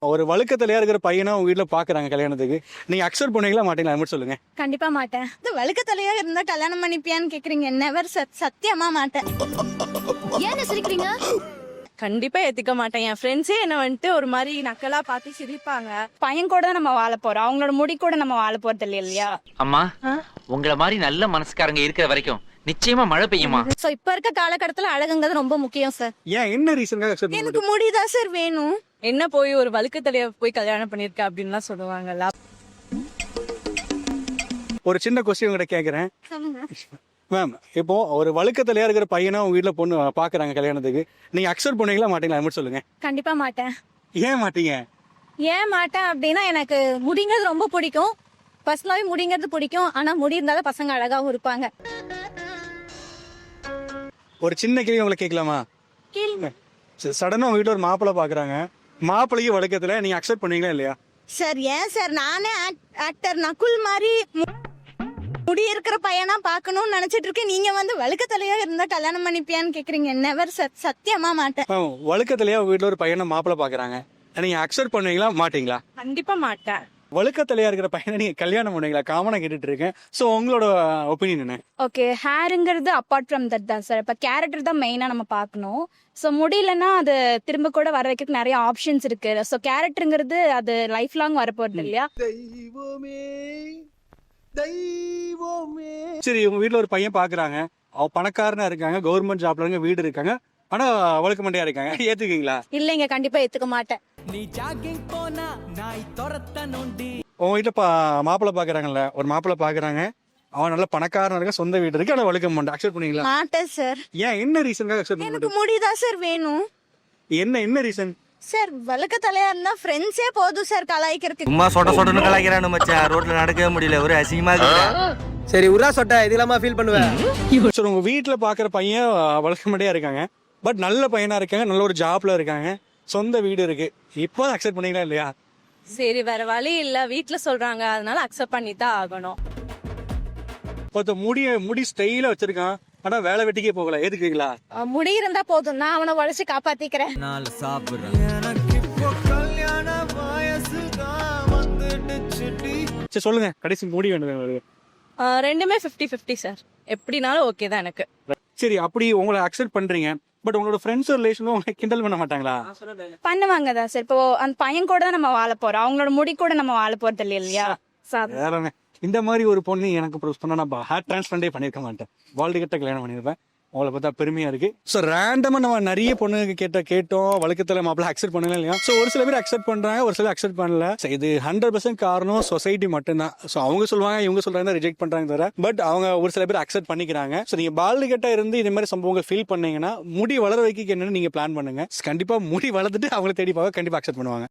ஒரு வழுக்கத்திலேயே இருக்கிற பையனை உங்க வீட்டுல பாக்குறாங்க கல்யாணத்துக்கு, நீங்க அக்செப்ட் பண்ணுவீங்களா மாட்டீங்களா? அது மட்டும் சொல்லுங்க. கண்டிப்பா மாட்டேன். இது வழுக்கத்தலையா இருந்தா கல்யாணம் பண்ணிப்பியான்னு கேக்குறீங்க. நெவர் சத்தியமா மாட்டேன். ஏன் சிரிக்கிறீங்க? கண்டிப்பா ஏத்துக்க மாட்டேன். என் ஃப்ரெண்ட்ஸே என்ன வந்துட்டு ஒரு மாதிரி நக்கலா பார்த்து சிரிப்பாங்க. பையன் கூட நம்ம வாழ போறோம், அவங்களோட முடி கூட நம்ம வாழ போறது இல்லையா? அம்மா, உங்கள மாதிரி நல்ல மனசுக்காரங்க இருக்கிற வரைக்கும் நிச்சயமா மழை பெய்யுமா? சோ இப்ப இருக்க காலகட்டத்துல அழகுங்கிறது ரொம்ப முக்கியம் சார். ஏன் என்ன ரீசனுக்காக அக்செப்ட் பண்ண எனக்கு முடிதான் சார் வேணும். என்ன போய் ஒரு வழுக்கத்தலைய போய் கல்யாணம் பண்ணிருக்க அப்படின்லாம் சொல்லுவாங்கல்ல. ஒரு சின்ன கொஸ்டின் உங்ககிட்ட கேக்குறேன் சொல்லுங்க. மேம். இப்போ ஒரு வழுக்கத்திலேயே இருக்கிற பையனை உங்க வீட்டுல பொண்ணு பாக்குறாங்க கல்யாணத்துக்கு, நீங்க அக்செப்ட் பண்ணுவீங்களா மாட்டீங்களா? அது மட்டும் சொல்லுங்க. கண்டிப்பா மாட்டேன். ஏன் மாட்டீங்க? ஏன் மாட்டேன் அப்படின்னா எனக்கு முடிங்கிறது ரொம்ப பிடிக்கும். பர்சனலாவே முடிங்கிறது பிடிக்கும். ஆனா முடி இருந்தாலும் பசங்க அழகாவும் இருப்பாங்க. ஒரு சின்ன கேள்வி உங்களை கேட்கலாமா? கேளுங்க. சடனா உங்க வீட்டுல ஒரு மாப்பிள்ளை பாக்குறாங்க, மாப்பிள்ளைக்கு வழுக்கத்துல, நீங்க அக்செப்ட் பண்ணுவீங்களா இல்லையா? சார் ஏன் சார், நானே ஆக்டர் நகுல் மாதிரி முடி இருக்கிற பையனா பாக்கணும்னு நினைச்சிட்டு இருக்கேன். நீங்க வந்து வழுக்கத்தலையா இருந்தா கல்யாணம் பண்ணிப்பியான்னு கேக்குறீங்க. நெவர் சத்தியமா மாட்டேன். வழுக்கத்திலேயே உங்க வீட்டுல ஒரு பையனை மாப்பிள்ளை பாக்குறாங்க, நீங்க அக்செப்ட் பண்ணுவீங்களா மாட்டீங்களா? கண்டிப்பா மாட்டேன். வழுக்கத்திலேயே இருக்கிற பையனை நீங்க கல்யாணம் பண்ணுவீங்களா? காமனா கேட்டுட்டு இருக்கேன். சோ உங்களோட ஒப்பீனியன் என்ன? ஓகே, ஹேருங்கிறது அப்பார்ட் ஃப்ரம் தட் தான் சார். இப்போ கேரக்டர் தான் மெயினாக நம்ம பார்க்கணும். ஸோ முடியலன்னா அது திரும்ப கூட வர வைக்கிறதுக்கு நிறைய ஆப்ஷன்ஸ் இருக்கு. ஸோ கேரக்டருங்கிறது அது லைஃப் லாங் வரப்போறது இல்லையா? சரி, உங்க வீட்டுல ஒரு பையன் பாக்குறாங்க, அவ பணக்காரனா இருக்காங்க, கவர்மெண்ட் ஜாப்ல இருக்க, வீடு இருக்காங்க, ஆனா வழுக்க மண்டையா இருக்காங்க, ஏத்துக்கீங்களா? இல்லைங்க, கண்டிப்பா ஏத்துக்க மாட்டேன். உங்க வீட்டுல மாப்பிள்ளை பாக்குறாங்கல்ல, ஒரு மாப்பிள்ளை பாக்குறாங்க, அவன் நல்ல பணக்காரனா இருக்க, சொந்த வீடு இருக்கு, ஆனா வழுக்க மண்டை, அக்செப்ட் பண்ணுவீங்களா? மாட்டேன் சார். ஏன் என்ன ரீசனுக்காக அக்செப்ட் எனக்கு பண்ணுவீங்க? முடிதான் சார் வேணும். என்ன ரீசன்? சார் வழுக்கத்தலையா இருந்தா ஃப்ரெண்ட்ஸே போதும் சார் கலாய்க்கிறதுக்கு. சும்மா சொட்டன்னு கலாய்க்கிறானு மச்சான். ரோட்ல நடக்கவே முடியல, ஒரு அசிங்கமா இருக்கு. சரி உரா சொட்ட இதெல்லாமா ஃபீல் பண்ணுவேன். சரி, உங்க வீட்டுல பாக்குற பையன் வழுக்க மண்டையா இருக்காங்க, பட் நல்ல பையனா இருக்காங்க, நல்ல ஒரு ஜாப்ல இருக்காங்க, சொந்த வீடு இருக்கு, இப்போ அக்செப்ட் பண்ணீங்களா இல்லையா? சரி, வேற வழி இல்ல, வீட்டுல சொல்றாங்க, அதனால அக்செப்ட் பண்ணி தான் ஆகணும். ஒருத்த முடி ஸ்டைலா வச்சிருக்கான், ஆனா வேலை வெட்டிக்கே போகல, ஏத்துக்கீங்களா? முடி இருந்தா போதும், நான் அவனை உழைச்சு காப்பாத்திக்கிறேன். சரி சொல்லுங்க, கடைசி முடி வேணும். ரெண்டுமே 50-50 சார். எப்படினாலும் ஓகே தான் எனக்கு. சரி, அப்படி உங்களை அக்செப்ட் பண்றீங்க, பட் உங்களோட ஃப்ரெண்ட்ஸ் ரிலேஷனும் உங்களை கிண்டல் பண்ண மாட்டாங்களா? பண்ணுவாங்க தான் சார். இப்போ அந்த பையன் கூட தான் நம்ம வாழ போறோம், அவங்களோட முடி கூட நம்ம வாழ போறது இல்லையா? வேறங்க, இந்த மாதிரி ஒரு பொண்ணு எனக்கு ப்ரொஸ் பண்ணா நான் ஹேர் டிரான்ஸ்பிளான்டே பண்ணிருக்க மாட்டேன், வால்டு கிட்ட கல்யாணம் பண்ணிருப்பேன். உங்களை பார்த்தா பெருமையா இருக்கு. ஸோ ரேண்டமா நம்ம நிறைய பொண்ணுங்க கேட்டோம், வழுக்கத்துல மாப்பிள்ள அக்செப்ட் பண்ணல இல்லையா? ஸோ ஒரு சில பேர் அக்செப்ட் பண்றாங்க, ஒரு சில அக்செப்ட் பண்ணல. இது 100% காரணம் சொசைட்டி மட்டும்தான். ஸோ அவங்க சொல்லுவாங்க, இவங்க சொல்றாங்க, ரிஜெக்ட் பண்றாங்க தவிர, பட் அவங்க ஒரு சில பேர் அக்செப்ட் பண்ணிக்கிறாங்க. ஸோ நீங்க பால்டு கிட்ட இருந்து இந்த மாதிரி சம்பவங்கள் ஃபீல் பண்ணீங்கன்னா, முடி வளர வைக்க என்னன்னு நீங்க பிளான் பண்ணுங்க. கண்டிப்பா முடி வளர்த்துட்டு அவங்களை தேடி பார்க்க கண்டிப்பா அக்செப்ட் பண்ணுவாங்க.